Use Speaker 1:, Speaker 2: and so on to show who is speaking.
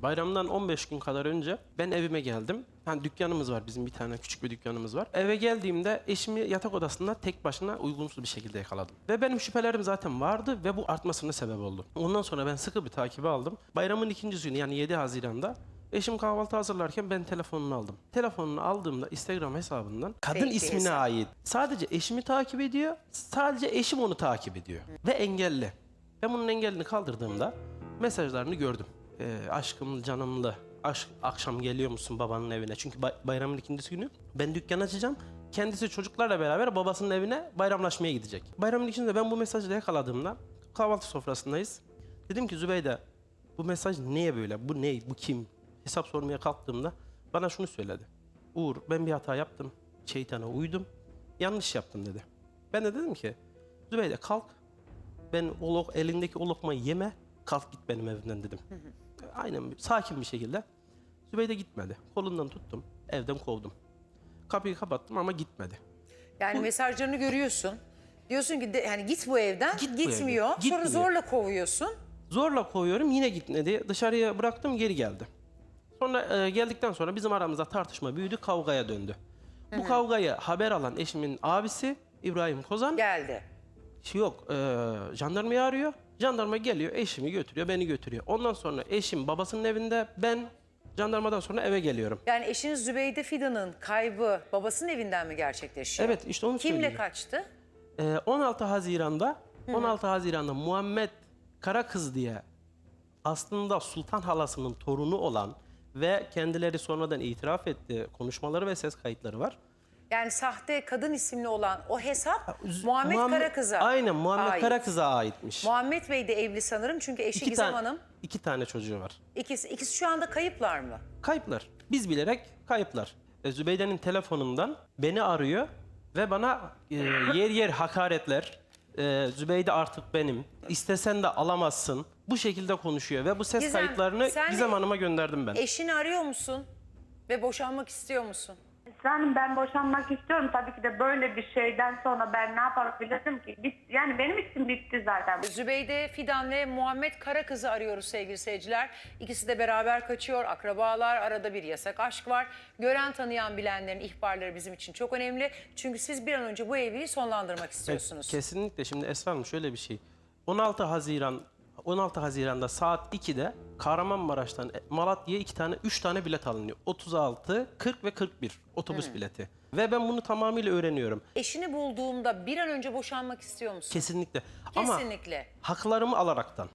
Speaker 1: Bayramdan 15 gün kadar önce ben evime geldim. Hani dükkanımız var, bizim bir tane küçük bir dükkanımız var. Eve geldiğimde eşimi yatak odasında tek başına uygunsuz bir şekilde yakaladım. Ve benim şüphelerim zaten vardı ve bu artmasına sebep oldu. Ondan sonra ben sıkı bir takibi aldım. Bayramın ikinci günü yani 7 Haziran'da eşim kahvaltı hazırlarken ben telefonunu aldım. Telefonunu aldığımda Instagram hesabından kadın
Speaker 2: Fake bir
Speaker 1: ismine
Speaker 2: hesap.
Speaker 1: ait. Sadece eşimi takip ediyor, sadece eşim onu takip ediyor. Ve engelli. Ben bunun engelini kaldırdığımda mesajlarını gördüm. Aşkım, canımlı, akşam geliyor musun babanın evine? Çünkü bayramın ikinci günü ben dükkan açacağım. Kendisi çocuklarla beraber babasının evine bayramlaşmaya gidecek. Bayramın ikincisinde ben bu mesajı da yakaladığımda kahvaltı sofrasındayız. Dedim ki Zübeyde, bu mesaj niye böyle? Bu ne? Bu kim? Hesap sormaya kalktığımda bana şunu söyledi. Uğur, ben bir hata yaptım. Şeytana uydum. Yanlış yaptım dedi. Ben de dedim ki Zübeyde kalk. Ben elindeki o lokmayı yeme. Kalk git benim evimden dedim. Aynen sakin bir şekilde. Zübeyde gitmedi. Kolundan tuttum. Evden kovdum. Kapıyı kapattım ama gitmedi.
Speaker 2: Yani mesajlarını görüyorsun. Diyorsun ki yani git bu evden.
Speaker 1: Git bu
Speaker 2: Gitmiyor.
Speaker 1: evden.
Speaker 2: Sonra
Speaker 1: Gitmiyor.
Speaker 2: zorla kovuyorsun.
Speaker 1: Zorla kovuyorum, yine gitmedi. Dışarıya bıraktım, geri geldi. Sonra geldikten sonra bizim aramızda tartışma büyüdü, kavgaya döndü. Bu kavgayı haber alan eşimin abisi İbrahim Kozan
Speaker 2: Geldi.
Speaker 1: yok, jandarmayı arıyor. Jandarma geliyor, eşimi götürüyor, beni götürüyor. Ondan sonra eşim babasının evinde, ben jandarmadan sonra eve geliyorum.
Speaker 2: Yani eşiniz Zübeyde Fidan'ın kaybı babasının evinden mi gerçekleşiyor?
Speaker 1: Evet, işte onu
Speaker 2: Kimle
Speaker 1: söyleyeceğim.
Speaker 2: kaçtı?
Speaker 1: 16 Haziran'da Muhammed Karakız diye aslında Sultan halasının torunu olan ve kendileri sonradan itiraf etti, konuşmaları ve ses kayıtları var.
Speaker 2: Yani sahte kadın isimli olan o hesap Muhammed Karakız'a
Speaker 1: Aynen, Muhammed
Speaker 2: ait.
Speaker 1: Karakız'a aitmiş.
Speaker 2: Muhammed Bey de evli sanırım çünkü eşi Gizem Hanım.
Speaker 1: 2 tane çocuğu var.
Speaker 2: İkisi şu anda kayıplar mı?
Speaker 1: Kayıplar. Biz bilerek kayıplar. Zübeyde'nin telefonundan beni arıyor ve bana yer yer hakaretler. Zübeyde artık benim. İstesen de alamazsın. Bu şekilde konuşuyor ve bu ses
Speaker 2: Gizem,
Speaker 1: kayıtlarını
Speaker 2: sen de
Speaker 1: Gizem Hanım'a gönderdim ben.
Speaker 2: Eşini arıyor musun? Ve boşanmak istiyor musun?
Speaker 3: Canım, ben boşanmak istiyorum. Tabii ki de böyle bir şeyden sonra ben ne yapabilirim ki? Yani benim için bitti zaten.
Speaker 2: Zübeyde Fidan ve Muhammed Karakız'ı arıyoruz sevgili seyirciler. İkisi de beraber kaçıyor. Akrabalar, arada bir yasak aşk var. Gören, tanıyan, bilenlerin ihbarları bizim için çok önemli. Çünkü siz bir an önce bu evliliği sonlandırmak istiyorsunuz.
Speaker 1: Kesinlikle. Şimdi Esra Hanım şöyle bir şey. 16 Haziran'da saat 2'de Kahramanmaraş'tan Malatya'ya 3 tane bilet alınıyor. 36, 40 ve 41 otobüs bileti. Ve ben bunu tamamıyla öğreniyorum.
Speaker 2: Eşini bulduğumda bir an önce boşanmak istiyor musun?
Speaker 1: Kesinlikle.
Speaker 2: Kesinlikle.
Speaker 1: Ama haklarımı alaraktan.